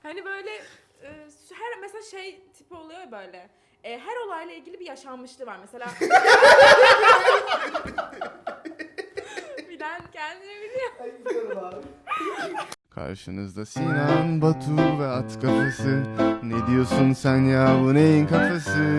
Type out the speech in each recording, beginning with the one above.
Hani böyle her mesela şey tipi oluyor ya böyle. Her olayla ilgili bir yaşanmışlığı var. Mesela bilen kendini biliyor. Karşınızda Sinan, Batu ve at kafası. Ne diyorsun sen ya, bu neyin kafası?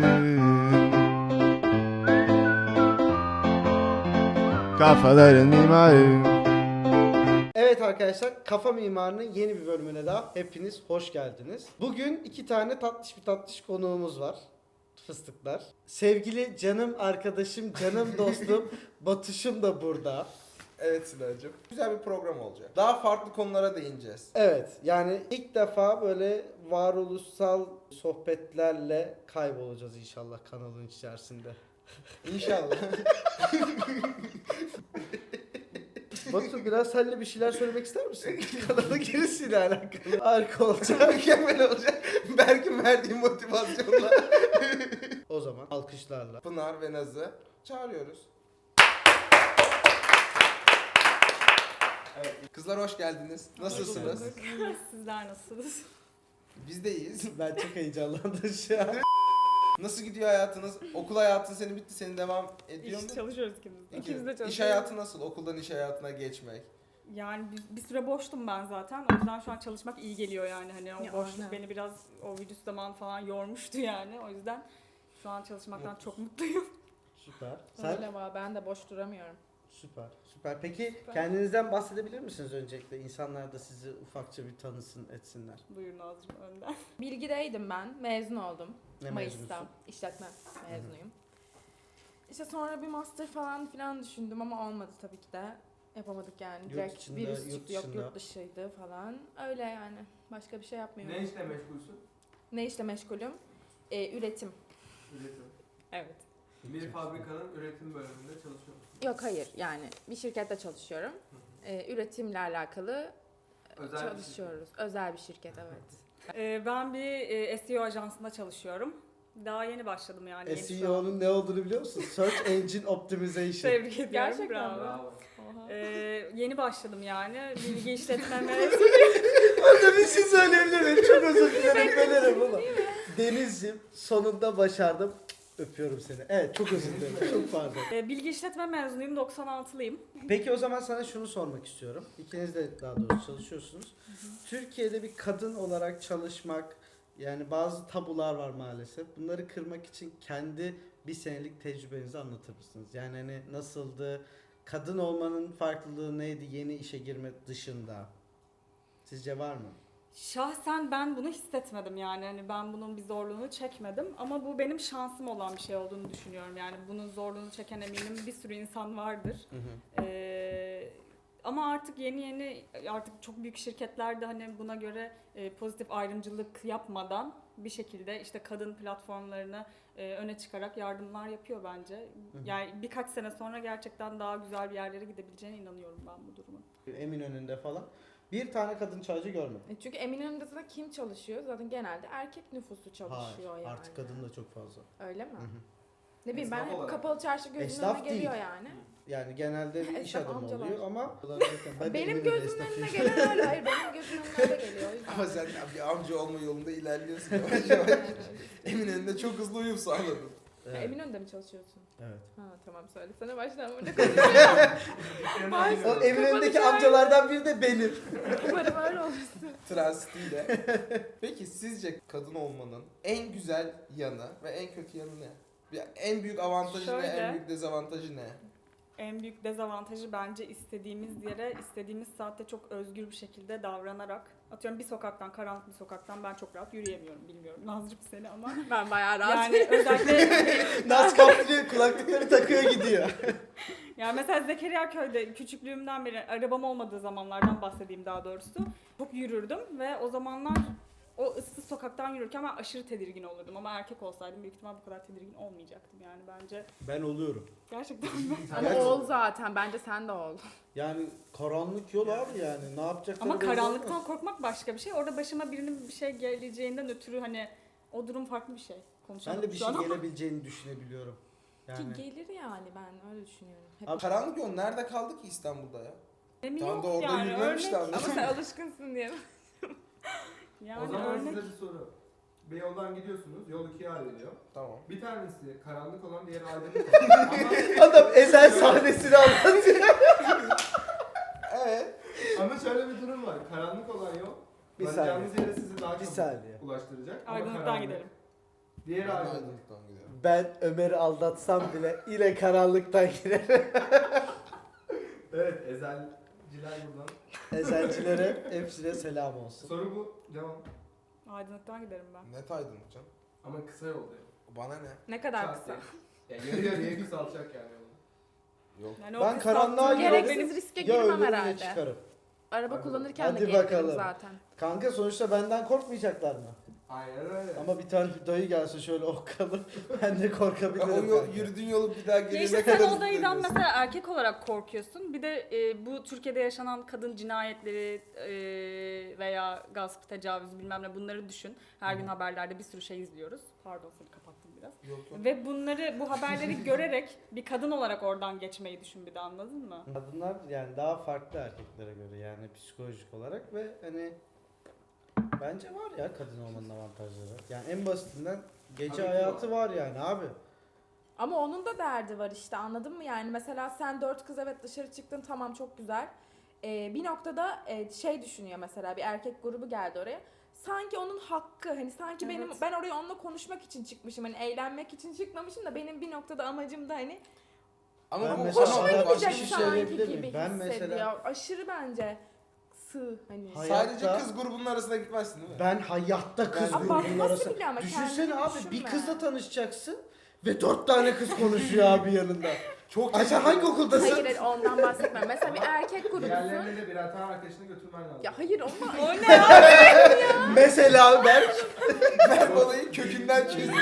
Kafaların mimarı. Evet arkadaşlar, Kafa Mimarı'nın yeni bir bölümüne daha hepiniz hoş geldiniz. Bugün iki tane tatlış konuğumuz var. Fıstıklar. Sevgili canım arkadaşım, canım dostum Batuş'um da burada. Evet Sıla'cığım. Güzel bir program olacak. Daha farklı konulara değineceğiz. Evet, yani ilk defa böyle varoluşsal sohbetlerle kaybolacağız inşallah kanalın içerisinde. İnşallah. Batu, biraz seninle bir şeyler söylemek ister misin? Kanalın girişiyle alakalı. Harika olacak. Mükemmel olacak. Berk'in verdiği motivasyonla. O zaman alkışlarla. Pınar ve Naz'ı çağırıyoruz. Evet. Kızlar hoş geldiniz. Nasılsınız? İyiyiz, sizler nasılsınız? Biz de iyiyiz. Ben çok heyecanlandım şu an. Nasıl gidiyor hayatınız? Okul hayatın senin bitti, senin devam ediyor mu? Çalışıyoruz ikimiz de. İkimiz de çalışıyoruz. İş hayatı nasıl? Okuldan iş hayatına geçmek. Yani bir süre boştum ben zaten. O yüzden şu an çalışmak iyi geliyor yani. Hani o Ya, boşluk aynen. beni biraz o virüs zamanı falan yormuştu yani. O yüzden şu an çalışmaktan çok mutluyum. Süper. Sen? Öyle var, ben de boş duramıyorum. Süper. Süper. Peki kendinizden bahsedebilir misiniz öncelikle? İnsanlar da sizi ufakça bir tanısın, etsinler. Buyurun Nazcığım önden. Bilgideydim ben, mezun oldum. Ne Mayıs'ta. mezunusun? İşletme mezunuyum. İşte sonra bir master falan düşündüm ama olmadı tabii ki de. Yapamadık yani. Yurt Direkt içinde, virüs yurt çıktı, yok dışında. yurt dışıydı falan. Öyle yani. Başka bir şey yapmıyorum. Ne işle meşgulsün? Ne işle meşgulüm? Üretim. Üretim. Evet. Bir fabrikanın üretim bölümünde çalışıyor musun? Yok hayır, yani bir şirkette çalışıyorum. Üretimle alakalı Özel çalışıyoruz. Özel bir şirket, evet. Ben bir SEO ajansında çalışıyorum. Daha yeni başladım yani. yeni şu an. SEO'nun ne olduğunu biliyor musun? Search Engine Optimization. Tebrik ediyorum. Gerçekten bravo. mi? Bravo. Oha. Yeni başladım yani. Bilgi işletme Orada bir şey söyleyebilir miyim? Çok özür dilerim, bölerim ama. Deniz'cim, sonunda başardım. Öpüyorum seni. Evet, çok özür dilerim. Çok pardon. Bilgi işletme mezunuyum. 96'lıyım. Peki o zaman sana şunu sormak istiyorum. İkiniz de daha doğrusu çalışıyorsunuz. Türkiye'de bir kadın olarak çalışmak, yani bazı tabular var maalesef. Bunları kırmak için kendi bir senelik tecrübenizi anlatır mısınız? Yani hani nasıldı? Kadın olmanın farklılığı neydi yeni işe girme dışında? Sizce var mı? Şahsen ben bunu hissetmedim yani. Hani ben bunun bir zorluğunu çekmedim. Ama bu benim şansım olan bir şey olduğunu düşünüyorum. Yani bunun zorluğunu çeken eminim bir sürü insan vardır. Ama artık yeni artık çok büyük şirketler de hani buna göre pozitif ayrımcılık yapmadan bir şekilde işte kadın platformlarını öne çıkarak yardımlar yapıyor bence. Yani birkaç sene sonra gerçekten daha güzel bir yerlere gidebileceğine inanıyorum ben bu durumun. Eminönü'nde falan. Bir tane kadın çaycı görmedim. Çünkü Eminönü'nde zaten kim çalışıyor? Zaten genelde erkek nüfusu çalışıyor Hayır, yani. artık kadın da çok fazla. Öyle mi? Hı hı. Ne bileyim ben Esnaf hep olarak. kapalı çarşı gözümün Esnaf önüne geliyor değil. yani. Yani genelde bir iş Esnaf adamı amcalar. oluyor ama ben de Benim Eminönü gözümün esnafıyım. önüne gelen öyle. Hayır benim gözümün önüne öyle geliyor. O yüzden. Ama sen bir amca olma yolunda ilerliyorsun yavaş yavaş. Eminönü'nde çok hızlı uyum sağladın. Evet. Eminönü'nde mi çalışıyorsun? Evet. Ha tamam söylesene baştan burada konuşuyorum. O Eminönü'ndeki amcalardan biri de benim. Umarım öyle olursun. Transitiyle. Peki sizce kadın olmanın en güzel yanı ve en kötü yanı ne? En büyük avantajı ne, Şöyle. en büyük dezavantajı ne? En büyük dezavantajı bence istediğimiz yere, istediğimiz saatte çok özgür bir şekilde davranarak. Atıyorum bir sokaktan, karanlık bir sokaktan ben çok rahat yürüyemiyorum, bilmiyorum Nazcığım seni ama. Ben bayağı rahat. Yani özellikle, Naz kaptırıyor, kulaklıkları takıyor gidiyor. yani mesela Zekeriya Köy'de küçüklüğümden beri arabam olmadığı zamanlardan bahsedeyim daha doğrusu. Çok yürürdüm ve o zamanlar o ıssız sokaktan yürürken ben aşırı tedirgin olurdum ama erkek olsaydım büyük ihtimal bu kadar tedirgin olmayacaktım yani bence. Ben oluyorum. Gerçekten Ama Gerçi- ol zaten. Bence sen de ol. Yani karanlık yol abi yani. Ne yapacakları Ama belli karanlıktan olmaz. korkmak başka bir şey. Orada başıma birinin bir şey geleceğinden ötürü hani o durum farklı bir şey. Konuşalım Ben de bir şu şey an ama. gelebileceğini düşünebiliyorum. Yani Ki gelir yani ben öyle düşünüyorum. Hep. Abi- Karanlık yol nerede kaldı ki İstanbul'da ya? Emin Tam yok da orada yani yürümemiş de örnek. Ama sen alışkınsın diye. Yani o zaman örnek size bir soru. Bir yoldan gidiyorsunuz, yol ikiye ayrılıyor. Tamam. Bir tanesi karanlık olan, diğeri aydınlık olan. Adam ezel sahnesini anlatıyor. Evet. Ama şöyle bir durum var. Karanlık olan yol Bir varacağınız yere sizi daha Bir çabuk saniye. ulaştıracak. Ama aydınlıktan karanlık. gidelim. Diğeri Ben de aydınlık. aydınlıktan gidiyorum. Ben Ömer'i aldatsam bile yine karanlıktan girerim. Evet, ezelciler buradan. Ezelcilere hepsine selam olsun. Soru bu, devam. Aydınlıktan giderim ben. Net aydınlık canım. Ama kısa yol diyor. Bana ne? Ne kadar Çat kısa. diye. Ya yarı yarıya kısaltacak yani onu. Yok. Yani o Ben kısaltma karanlığa gerek girerim. Gereksiz riske Ya girmem ölürüm ya herhalde. çıkarım. Araba Hadi kullanırken Hadi de gelirim bakalım. zaten. Kanka sonuçta benden korkmayacaklar mı? Aynen öyle. Ama bir tane dayı gelse şöyle okkalı ben de Ya korkabilirim. o yol, kanka. yürüdüğün yolu bir daha Ya geriye işte ne sen kadar o dayıdan hızlı mesela erkek olarak korkuyorsun. Bir de bu Türkiye'de yaşanan kadın cinayetleri veya gasp, tecavüz bilmem ne bunları düşün. Her gün haberlerde bir sürü şey izliyoruz. Pardon seni kapattım biraz. Yok yok. Ve bu haberleri görerek bir kadın olarak oradan geçmeyi düşün bir de anladın mı? Kadınlar yani daha farklı erkeklere göre yani psikolojik olarak ve hani bence var ya kadın olmanın avantajları. Yani en basitinden gece Tabii ki hayatı var yani abi. Ama onun da derdi var işte, anladın mı? Yani mesela sen 4 kız evet dışarı çıktın, tamam çok güzel. Bir noktada şey düşünüyor, mesela bir erkek grubu geldi oraya. Sanki onun hakkı, hani sanki Evet. ben oraya onunla konuşmak için çıkmışım, hani eğlenmek için çıkmamışım da benim bir noktada amacım da hani Ama Ben bu mesela hoşuma başka gidecek bir şey sanki söyleyebilir gibi miyim? Ben hissediyor. mesela- Aşırı bence sığ hani. Sadece Hayatta- kız grubunun arasına gitmezsin değil mi? Ben hayatta kız Ben- grubunun Nasıl arasında. biliyor ama Düşünsene kendini abi bir düşünme. kızla tanışacaksın ve 4 tane kız konuşuyor abi yanında. Çok Ay sen hangi okuldasın? Hayır, hayır, ondan bahsetmem. Mesela bir erkek grubusun. Diğerlerine de birer tane arkadaşını götürmen lazım. Ya hayır, onlar O ne ya? Mesela ben Ben olayı kökünden çözüyorum.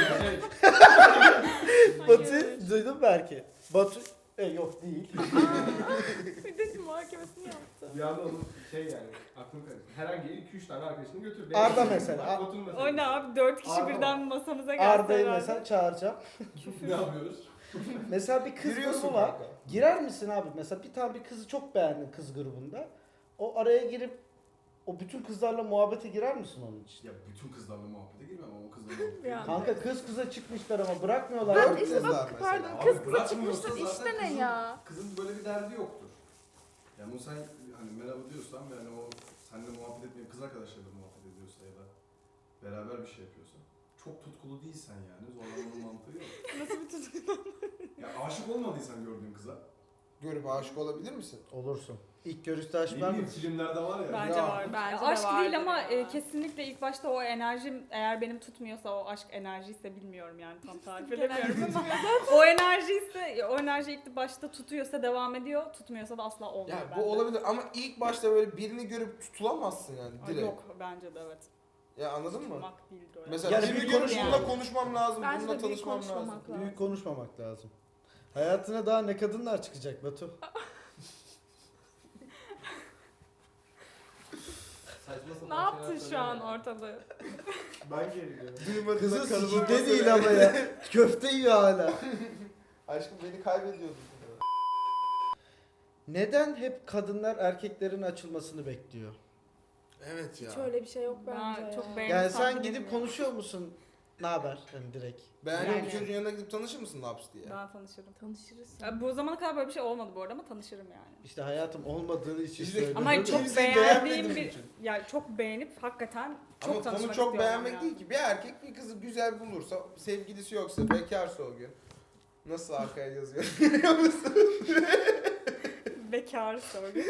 Batu duydun mu belki? Batu yok değil. bir de muhakemesini yaptı. Bir anda onun şey yani aklım karıştı. Herhangi 2-3 tane arkadaşını götür. Arda mesela. Bak, Batu'nun mesela. O ne abi 4 kişi Arda birden masamıza gelse Arda'yı herhalde. mesela çağıracağım. Ne yapıyoruz? Mesela bir kız Yürüyorsun grubu var. kanka. Girer misin abi? Mesela bir tane bir kızı çok beğendin kız grubunda. O araya girip o bütün kızlarla muhabbete girer misin onun için? Ya bütün kızlarla muhabbete girmem ama o kızlarla muhabbete Ya. girmem. Kanka kız kıza çıkmışlar ama bırakmıyorlar. Ben Dört işte kızlar bak mesela. pardon, Abi kız kıza bırakmıyorsa çıkmışsın zaten işte ne kızın- ya? Kızın böyle bir derdi yoktur. Yani bunu sen hani merhaba diyorsan ve hani o seninle muhabbet etmeyip kız arkadaşlarıyla muhabbet ediyorsa ya da beraber bir şey yapıyorsa çok tutkulu değilsen yani zorlamanın mantığı yok. Nasıl bir tutkulu? Ya aşık olmadıysan gördüğün kıza. Görüp aşık olabilir misin? Olursun. İlk görüşte Ne aşk var mı? bileyim filmlerde var ya. Bence Ya. var. Bence de Aşk değil vardır ama ya. kesinlikle ilk başta o enerjim eğer benim tutmuyorsa o aşk enerjiyse bilmiyorum yani tam tarif Genelde edemiyorum ama o enerji ilk başta tutuyorsa devam ediyor, tutmuyorsa da asla olmuyor Ya bende. bu olabilir ama ilk başta böyle birini görüp tutulamazsın yani Ay, direkt. yok bence de evet. Ya anladın mı? Tutmak değildir o yani. Mesela Yani birini bir görüp konuşma bununla yani. konuşmam lazım, Bence bununla de büyük tanışmam lazım. konuşmamak lazım. Büyük konuşmamak lazım. Hayatına daha ne kadınlar çıkacak Batu? Saçma sapan Ne şeyler yaptın şu an söylüyor. ortalığı? Ben geliyorum. Duymadığına Kızı kalıbı sikinde değil ama ya. Köfte yiyor hala. Aşkım beni kaybediyordun. Neden hep kadınlar erkeklerin açılmasını bekliyor? Evet ya. Hiç öyle bir şey yok bence. Ben çok ya. beğendim. Yani tahmin sen gidip etmiyorum. konuşuyor musun? Ne haber? Hani direkt. Beğendiğin Yani. bir çocuğun yanına gidip tanışır mısın laps diye? Ben tanışırım. Tanışırız. Bu zamana kadar böyle bir şey olmadı bu arada ama tanışırım yani. İşte hayatım olmadığı için İşte- söylüyorum. Ama hani çok Kimseyi beğendiğim beğenmediğim bir için. yani çok beğenip hakikaten çok Ama tanışmak konu çok istiyorum beğenmek yani. değil ki. Bir erkek bir kızı güzel bulursa, sevgilisi yoksa, bekarsa o gün. Nasıl arkaya yazıyor görüyor musun? Bekar soru.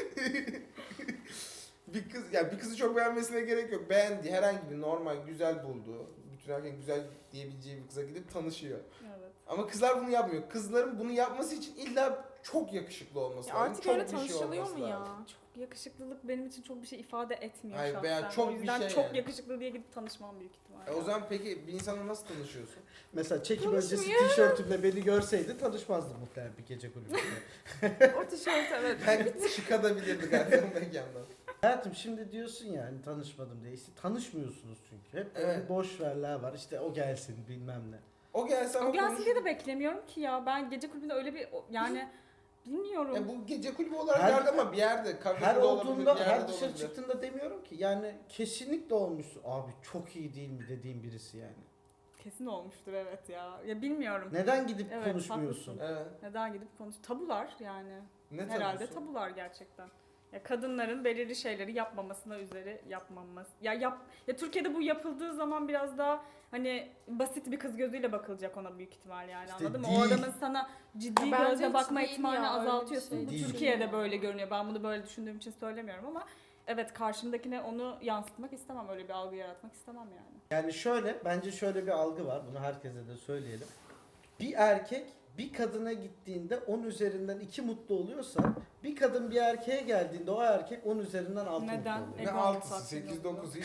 Bir kız, ya bir kızı çok beğenmesine gerek yok. Beğendiği herhangi bir normal, güzel bulduğu, bütün erkek güzel diyebileceği bir kıza gidip tanışıyor. Evet. Ama kızlar bunu yapmıyor. Kızların bunu yapması için illa çok yakışıklı olması Ya lazım. artık çok öyle bir şey tanışılıyor olması mu ya? lazım. Çok yakışıklılık benim için çok bir şey ifade etmiyor Hayır, şahsen. veya çok o bir yüzden şey çok yani. yakışıklı diye gidip tanışmam büyük ihtimalle. O zaman peki bir insanla nasıl tanışıyorsun? Mesela çekim öncesi Konuşmuyor. tişörtümle beni görseydi tanışmazdı muhtemelen bir gece kulübünde. O tişört evet. Ben çıkabilirdi galiba mekandan. Hayatım şimdi diyorsun ya hani tanışmadım diye. İşte tanışmıyorsunuz çünkü. Hep böyle Evet. boş verler var. İşte o gelsin bilmem ne. O gelse ama O gelsin konuş- diye de beklemiyorum ki ya. Ben gece kulübünde öyle bir yani Bilmiyorum. Bu gece kulübü olarak Her- yerde ama bir yerde. Kafede Her de olabilir, olduğunda, bir yerde her de dışarı olabilir. çıktığında demiyorum ki. Yani kesinlikle olmuşsun. Abi çok iyi değil mi dediğim birisi yani. Kesin olmuştur evet ya. Ya bilmiyorum. Neden gidip Evet, konuşmuyorsun? haklısın. Evet. Neden gidip konuş? Tabular yani. Ne Herhalde tabusu? tabular gerçekten. Ya kadınların belirli şeyleri yapmamasına üzeri yapmaması. Ya Türkiye'de bu yapıldığı zaman biraz daha hani basit bir kız gözüyle bakılacak ona büyük ihtimal yani. İşte Anladın mı? değil. O adamın sana ciddi Bence gözle hiç bakma değil ihtimalini ya, öyle bir azaltıyorsun. şey Bu değil. Türkiye'de böyle görünüyor. Ben bunu böyle düşündüğüm için söylemiyorum ama evet karşımdakine onu yansıtmak istemem. Öyle bir algı yaratmak istemem yani. Yani şöyle, bence şöyle bir algı var. Bunu herkese de söyleyelim. Bir erkek bir kadına gittiğinde 10 üzerinden 2 mutlu oluyorsa, bir kadın bir erkeğe geldiğinde o erkek 10 üzerinden 6 Neden? mutlu Ne oluyor. Ego 6'sı, tatmin 8, oluyor. 9,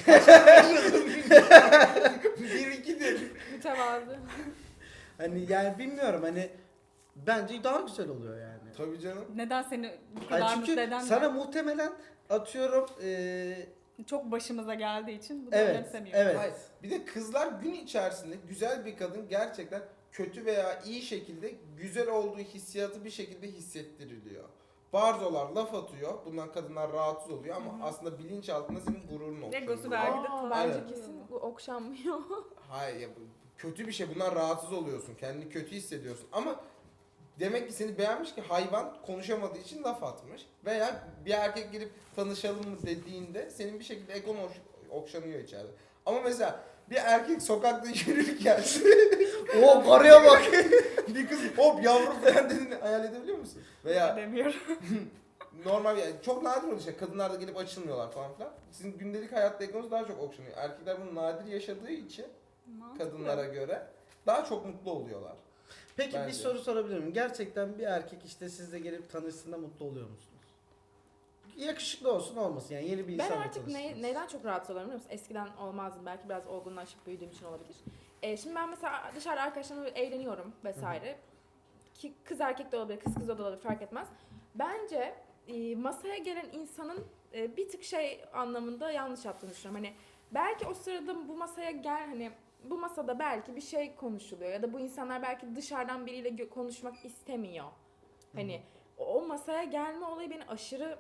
1, 2'dir. Mütevazı. Hani yani bilmiyorum hani bence daha güzel oluyor yani. Tabii canım. Neden seni bu Hayır, kadar mutlu çünkü eden sana muhtemelen atıyorum çok başımıza geldiği için bunu evet, önemsemiyorum. evet. Hayır. Bir de kızlar gün içerisinde güzel bir kadın gerçekten kötü veya iyi şekilde güzel olduğu hissiyatı bir şekilde hissettiriliyor. Barzolar laf atıyor. Bundan kadınlar rahatsız oluyor ama Hı hı. aslında bilinç altında senin gururun okşanıyor. Egosu vergide Aa, tabii. bence Aynen. kesin bu okşanmıyor. Hayır ya, bu kötü bir şey. Bundan rahatsız oluyorsun. Kendini kötü hissediyorsun. Ama demek ki seni beğenmiş ki hayvan konuşamadığı için laf atmış. Veya bir erkek gelip tanışalım mı dediğinde senin bir şekilde egon okşanıyor içeride. Ama mesela bir erkek sokakta yürürken O karıya bak. bir kız hop yavrum falan dediğini hayal edebiliyor musun? Veya Demiyorum. normal yani çok nadir oluyor şey. Kadınlar da gelip açılmıyorlar falan filan. Sizin gündelik hayatta egonuz daha çok okşanıyor. Erkekler bunu nadir yaşadığı için kadınlara göre daha çok mutlu oluyorlar. Peki bir Bence. soru sorabilir miyim? Gerçekten bir erkek işte sizle gelip tanıştığında mutlu oluyor musunuz? Yakışıklı olsun olmasın yani yeni bir Ben insanla artık tanıştınız. neyden çok rahatsız oluyorum biliyor musun? Eskiden olmazdım. Belki biraz olgunlaşıp büyüdüğüm için olabilir. Şimdi ben mesela dışarıda arkadaşlarımla eğleniyorum vesaire. Ki kız erkek de olabilir, kız kız da olabilir fark etmez. Bence masaya gelen insanın bir tık şey anlamında yanlış yaptığını düşünüyorum. Hani belki o sırada bu masaya hani bu masada belki bir şey konuşuluyor ya da bu insanlar belki dışarıdan biriyle konuşmak istemiyor. Hani o masaya gelme olayı beni aşırı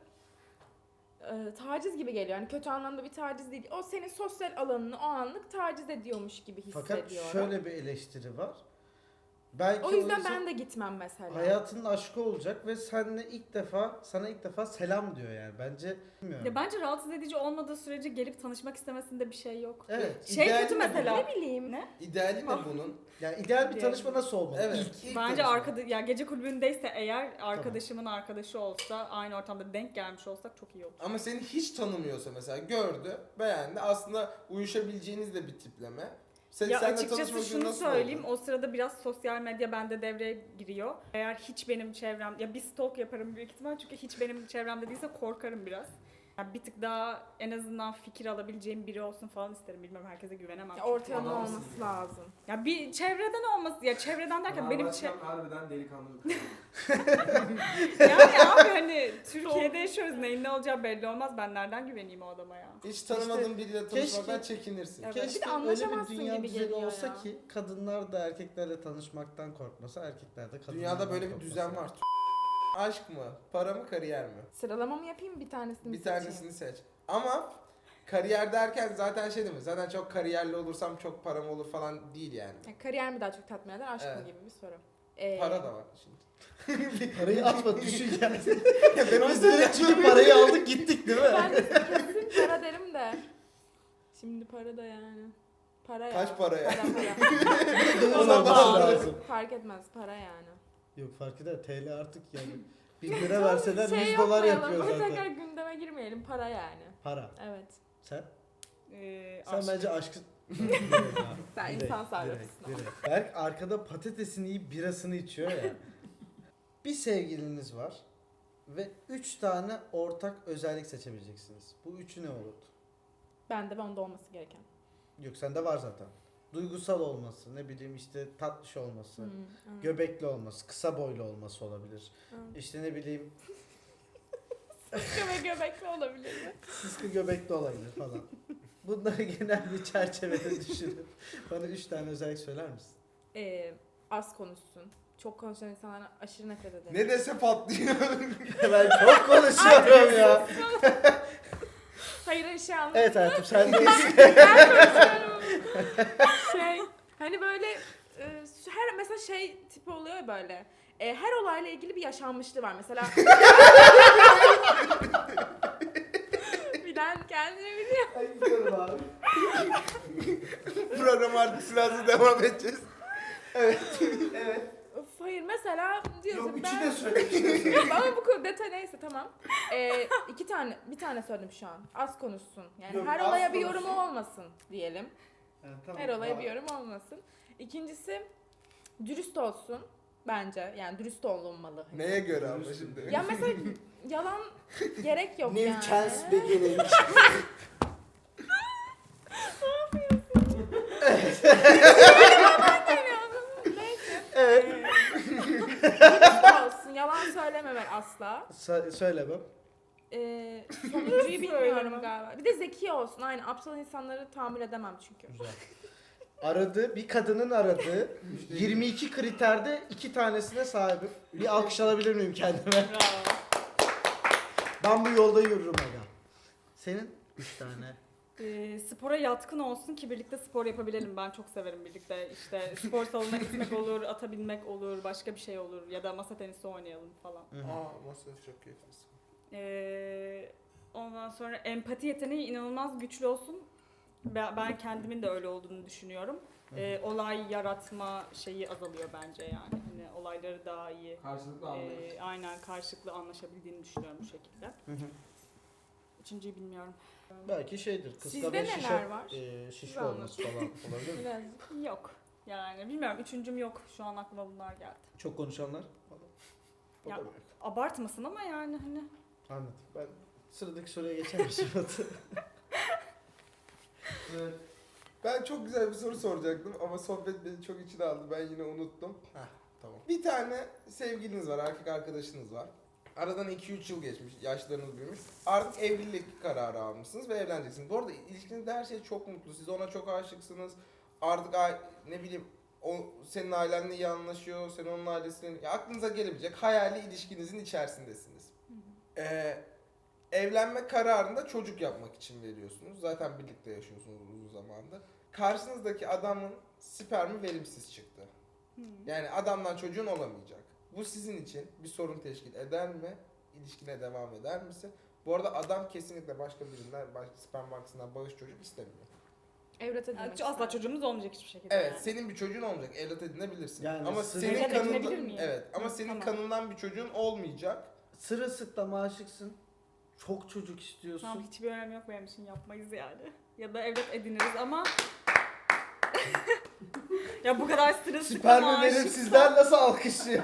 taciz gibi geliyor. Yani kötü anlamda bir taciz değil. O senin sosyal alanını o anlık taciz ediyormuş gibi hissediyorum. Fakat şöyle bir eleştiri var. Belki O yüzden insan ben de gitmem mesela. hayatının aşkı olacak ve sana ilk defa selam diyor yani. Bence bilmiyorum. Ya bence rahatsız edici olmadığı sürece gelip tanışmak istemesinde bir şey yok. Evet. Şey İdeali kötü ne mesela. Ne bileyim. Ne? İdeali ne bunun? Yani ideal bir Yani- tanışma nasıl olmalı? Evet. İlk Bence tanışma. ya gece kulübündeyse eğer arkadaşımın arkadaşı olsa aynı ortamda denk gelmiş olsak çok iyi olur. Ama seni hiç tanımıyorsa mesela gördü, beğendi. Aslında uyuşabileceğiniz de bir tipleme. Ya Seninle açıkçası tanışmak için şunu nasıl söyleyeyim, oldu? o sırada biraz sosyal medya bende devreye giriyor. Eğer hiç benim çevrem, ya bir stalk yaparım büyük ihtimal çünkü hiç benim çevremde değilse korkarım biraz. Yani bir tık daha en azından fikir alabileceğim biri olsun falan isterim. Bilmem herkese güvenemem. Ya çünkü. ortalama Adamsın olması ya. lazım. Ya bir çevreden olması, ya çevreden derken benim Harbiden delikanlı bir kız. yani abi hani Türkiye'de yaşıyoruz, neyin ne olacağı belli olmaz. Ben nereden güveneyim o adama ya? Hiç tanımadığın biriyle tanışmaktan keşke- çekinirsin. Evet. Keşke Bir de öyle bir anlaşamazsın dünya gibi düzeni geliyor olsa ya. ki kadınlar da erkeklerle tanışmaktan korkmasa, erkekler de kadınlardan Dünyada böyle bir korkmasa. düzen var. Aşk mı? Para mı? Kariyer mi? Sıralama mı yapayım bir tanesini Bir seçeyim? tanesini seç. Ama kariyer derken zaten şey değil mi? Zaten çok kariyerli olursam çok param olur falan değil yani. Ya kariyer mi daha çok tatmin eder, aşk mı Evet. gibi bir soru. Para da var şimdi. Parayı atma düşün yani. Ya ben o Biz yüzden direkt çünkü parayı aldık gittik değil mi? Ben de kesin para derim de. Şimdi para da yani. Para ya. Kaç para ya? Para. Döviz O zaman alması pahalı. lazım. Fark etmez para yani. Yok fark eder TL artık yani. 1 lira verseler Şey 100 dolar yapmayalım, yapıyor böyle tekrar zaten. gündeme girmeyelim, para yani. Para. Evet. Sen? Aşk. Sen bence aşkı... Sen insan sarrafısın ama. Berk arkada patatesini yiyip birasını içiyor ya. Bir sevgiliniz var ve 3 tane ortak özellik seçebileceksiniz. Bu üçü ne olurdu? Bende onda olması gereken. Yok sende var zaten. Duygusal olması, ne bileyim işte tatlış olması, Hmm. göbekli olması, kısa boylu olması olabilir. Hmm. İşte ne bileyim Sıkı ve göbekli olabilir mi? sıskı göbekli olabilir falan. Bunları genel bir çerçevede düşünüp bana 3 tane özellik söyler misin? Az konuşsun. çok konuşan insanlardan aşırı nefret ederim. Ne dese patlıyor. Ben çok konuşuyorum ya. Hayır şey anladım. Evet hayatım sen de Şey hani böyle her mesela şey tipi oluyor ya böyle. Her olayla ilgili bir yaşanmışlığı var mesela. Bilen kendini biliyor. Ay gidiyorum abi. Program artık silahsız devam edeceğiz. Of, hayır mesela diyorsun Yok ben... üçü de söyle. Ama bu konu detay neyse tamam. Bir tane söyledim şu an. Az konuşsun. Yani Yok, her az olaya bir konuşsun. yorumu olmasın diyelim. Tamam, Her olaya var. bir yorum olmasın. İkincisi dürüst olsun bence. Yani dürüst olunmalı. Neye göre ama şimdi? Ya mesela yalan gerek yok New yani. chance beginning. Neyse. Evet. Dürüst olsun. Yalan söylememek asla. Söylemem. Sonuncuyu bilmiyorum galiba. Bir de zeki olsun. Aynı aptal insanları tahammül edemem çünkü. Güzel. Bir kadının aradığı 22 kriterde 2 tanesine sahibim. Bir alkış alabilir miyim kendime? Bravo. Ben bu yolda yürürüm aga. Senin 3 tane. Spora yatkın olsun ki birlikte spor yapabilelim. Ben çok severim birlikte. İşte spor salonuna gitmek olur, ata binmek olur, başka bir şey olur ya da masa tenisi oynayalım falan. Masası çok keyifli. Ondan sonra empati yeteneği inanılmaz güçlü olsun. Ben kendimin de öyle olduğunu düşünüyorum. Olay yaratma şeyi azalıyor bence yani. Hani olayları daha iyi. Karşılıklı anlayış. Aynen karşılıklı anlaşabildiğini düşünüyorum bu şekilde. Üçüncüyü bilmiyorum. Belki şeydir. Sizde Kıska ve neler var? şişko Siz olması falan olabilir mi? Biraz. Yok. Yani bilmiyorum. Üçüncüm yok. Şu an aklıma bunlar geldi. Çok konuşanlar. O da Ya. yok. Abartmasın ama yani hani. Anladım. Ben sıradaki soruya geçemişim. Evet. Ben çok güzel bir soru soracaktım ama sohbet beni çok içine aldı. Ben yine unuttum. Tamam. Bir tane sevgiliniz var, erkek arkadaşınız var. Aradan 2-3 yıl geçmiş, yaşlarınız büyümüş. Artık evlilik kararı almışsınız ve evleneceksiniz. Bu arada ilişkinizde her şey çok mutlu. Siz ona çok aşıksınız. Artık ne bileyim o senin ailenle iyi anlaşıyor, sen onun ailesinin... Ya aklınıza gelebilecek hayali ilişkinizin içerisindesiniz. Evlenme kararını da çocuk yapmak için veriyorsunuz. Zaten birlikte yaşıyorsunuz uzun zamandır. Karşınızdaki adamın spermi verimsiz çıktı. Yani adamdan çocuğun olamayacak. Bu sizin için bir sorun teşkil eder mi? İlişkine devam eder misin? Bu arada adam kesinlikle başka birinden, başka sperm bankasından bağış çocuk istemiyor. Evlat edinmek Yani ister. asla çocuğumuz olmayacak hiçbir şekilde. Evet, yani. senin bir çocuğun olmayacak, evlat edinebilirsin. Yani ama sırf- senin Evlat kanından, edinebilir miyim? evet, ama Hı, senin tamam. kanından bir çocuğun olmayacak. Sırılsıklam aşıksın. Çok çocuk istiyorsun. Tamam hiçbir önemi yok benim için yapmayız yani. Ya da evlat ediniriz ama ya bu kadar sırılsıklam Spermi aşıksa- verimsizler nasıl alkışlıyor?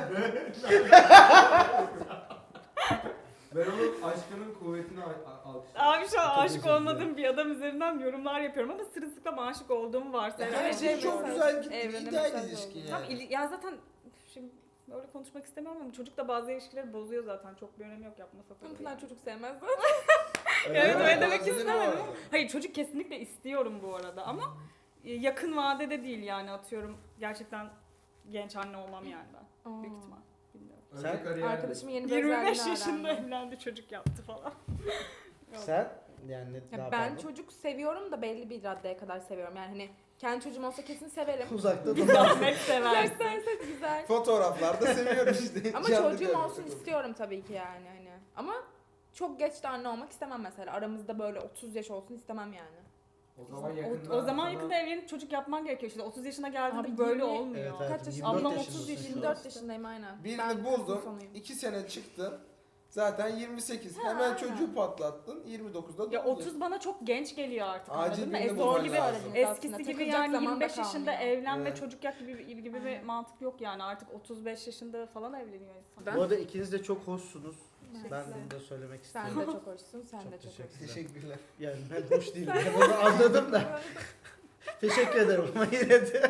Ben onun aşkının kuvvetini alkışlıyorum. Abi şu an Çok aşık özür dilerim. olmadığım bir adam üzerinden yorumlar yapıyorum ama sırılsıklam aşık olduğumu varsayıyorum. Her Evet, şey evet, çok evet. güzel gitti, Evrene ideal mesaj ilişki oldu. yani. Tam ya zaten şimdi böyle konuşmak istemiyorum ama çocuk da bazı ilişkileri bozuyor zaten. Çok bir önemi yok yapmasa da. Pınar çocuk sevmez. Evet, öyle demek Bazen istemedim. o arada. Hayır çocuk kesinlikle istiyorum bu arada ama yakın vadede değil yani atıyorum gerçekten genç anne olmam yani ben. Büyük ihtimal. Bilmiyorum. Önce Sen- kariyerde. Arkadaşımın yeni bir 25 özelliğini yaşında öğrendim. evlendi çocuk yaptı falan. Yok. Sen yani ne Ya yapardın? ben çocuk seviyorum da belli bir raddeye kadar seviyorum. Yani hani kendi çocuğum olsa kesin severim. Uzakta Bir dur. zahmet seversin. Gösterse güzel. Fotoğraflarda seviyorum işte. Ama Canlı çocuğum görmek olsun çok istiyorum tabii ki yani hani. Ama çok geç de anne olmak istemem mesela. Aramızda böyle 30 yaş olsun istemem yani. O zaman yakında. O zaman sana- yakında evlenip çocuk yapman gerekiyor işte 30 yaşına geldiğinde Abi böyle 20 olmuyor. Evet, evet. Kaç yaşında? 24 Ablam yaşındasın 30 şu an. 24 yaşındayım aynen. Birini Ben buldun, kızın sonuyum. 2 sene çıktın. Zaten 28. Ha, Hemen aynen. çocuğu patlattın. 29'da Ya doğdun. 30 bana çok genç geliyor artık Acil anladın mı? birini Zor bulman gibi lazım. eskisi Aslında gibi takılacak yani zaman da 25 yaşında kalmıyor. evlen ve Evet. çocuk yap gibi bir Aynen. mantık yok yani artık 35 yaşında falan evleniyor insan. Ben- Bu arada ikiniz de çok hoşsunuz. Evet. Ben bunu da söylemek Sen istiyorum. de çok hoşsun, sen Çok de çok teşekkür hoşsun. Teşekkürler. Yani ben hoş değilim. Ben onu anladım da. Teşekkür ederim ama yine de.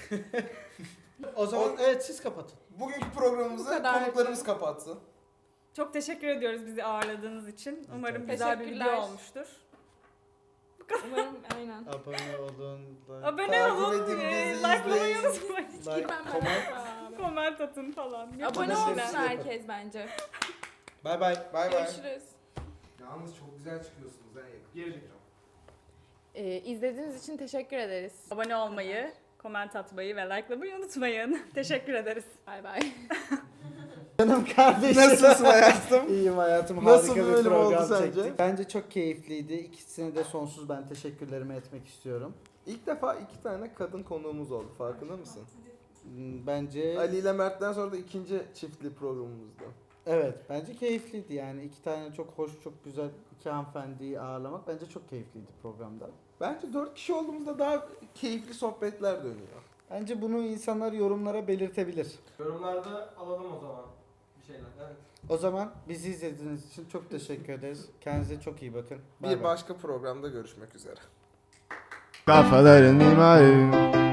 O zaman evet siz kapatın. Bugünkü Bu programımızı kadar. konuklarımız kapatsın. Çok teşekkür ediyoruz bizi ağırladığınız için. Umarım Rica güzel bir Teşekkürler. video olmuştur. Umarım aynen. Abone olun. Abone Takip olun, edin bizi, likelamayı izleyin. unutmayın. Like, Girmem ben. comment. Aa, Comment atın falan. Abone Yapalım. olsun Hepsi herkes bence. Bay bay. Bay bay. Görüşürüz. Yalnız çok güzel çıkıyorsunuz. Geri İzlediğiniz için teşekkür ederiz. Abone olmayı, comment atmayı ve likelamayı unutmayın. Teşekkür ederiz. Bay bay. Canım kardeşim. Nasılsın hayatım? İyiyim hayatım. Nasıl Harika bir bir bölüm oldu program sence? çektik. Bence çok keyifliydi. İkisine de sonsuz ben teşekkürlerimi etmek istiyorum. İlk defa 2 tane kadın konuğumuz oldu. Farkında mısın? Bence Ali ile Mert'ten sonra da ikinci çiftli programımızda. evet, bence keyifliydi yani. İki tane çok hoş, çok güzel iki hanımefendiyi ağırlamak bence çok keyifliydi programda. Bence 4 kişi olduğumuzda daha keyifli sohbetler dönüyor. Bence bunu insanlar yorumlara belirtebilir. Yorumlarda alalım o zaman bir şeyler. Evet. O zaman bizi izlediğiniz için çok teşekkür ederiz. Kendinize çok iyi bakın. Bay Bir bay. başka programda görüşmek üzere. Kafaların mimarı